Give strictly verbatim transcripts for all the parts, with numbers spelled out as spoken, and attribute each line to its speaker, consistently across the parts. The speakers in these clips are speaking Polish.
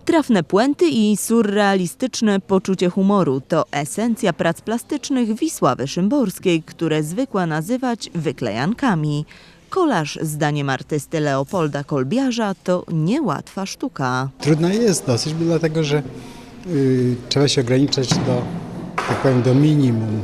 Speaker 1: Trafne puenty i surrealistyczne poczucie humoru to esencja prac plastycznych Wisławy Szymborskiej, które zwykła nazywać wyklejankami. Kolaż, zdaniem artysty Leopolda Kolbiarza, to niełatwa sztuka.
Speaker 2: Trudna jest dosyć, dlatego że y, trzeba się ograniczać do, tak powiem, do minimum,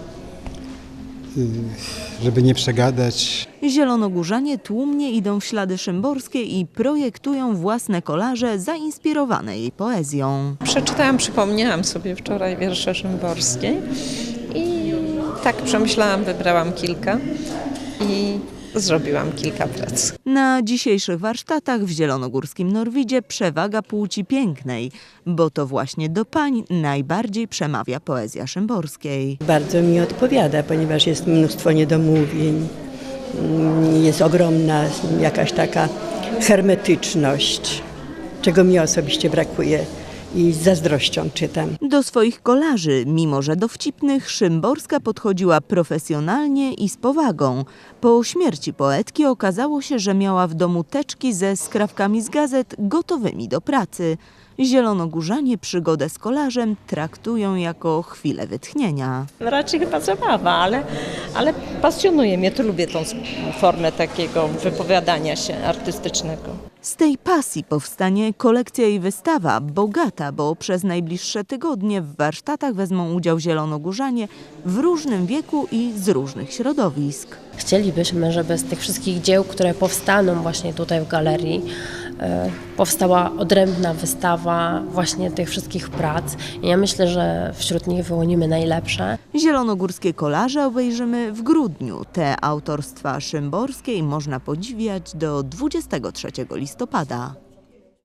Speaker 2: y, żeby nie przegadać.
Speaker 1: Zielonogórzanie tłumnie idą w ślady Szymborskie i projektują własne kolaże zainspirowane jej poezją.
Speaker 3: Przeczytałam, przypomniałam sobie wczoraj wiersze Szymborskiej i tak przemyślałam, wybrałam kilka i zrobiłam kilka prac.
Speaker 1: Na dzisiejszych warsztatach w zielonogórskim Norwidzie przewaga płci pięknej, bo to właśnie do pań najbardziej przemawia poezja Szymborskiej.
Speaker 4: Bardzo mi odpowiada, ponieważ jest mnóstwo niedomówień, jest ogromna jakaś taka hermetyczność, czego mi osobiście brakuje i z zazdrością czytam.
Speaker 1: Do swoich kolaży, mimo że dowcipnych, Szymborska podchodziła profesjonalnie i z powagą. Po śmierci poetki okazało się, że miała w domu teczki ze skrawkami z gazet gotowymi do pracy. Zielonogórzanie przygodę z kolażem traktują jako chwilę wytchnienia.
Speaker 3: Raczej chyba zabawa, ale, ale pasjonuje mnie, to lubię tą formę takiego wypowiadania się artystycznego.
Speaker 1: Z tej pasji powstanie kolekcja i wystawa, bogata, bo przez najbliższe tygodnie w warsztatach wezmą udział zielonogórzanie w różnym wieku i z różnych środowisk.
Speaker 5: Chcielibyśmy, żeby z tych wszystkich dzieł, które powstaną właśnie tutaj w galerii, powstała odrębna wystawa właśnie tych wszystkich prac. I ja myślę, że wśród nich wyłonimy najlepsze.
Speaker 1: Zielonogórskie kolaże obejrzymy w grudniu. Te autorstwa Szymborskiej można podziwiać do dwudziestego trzeciego listopada.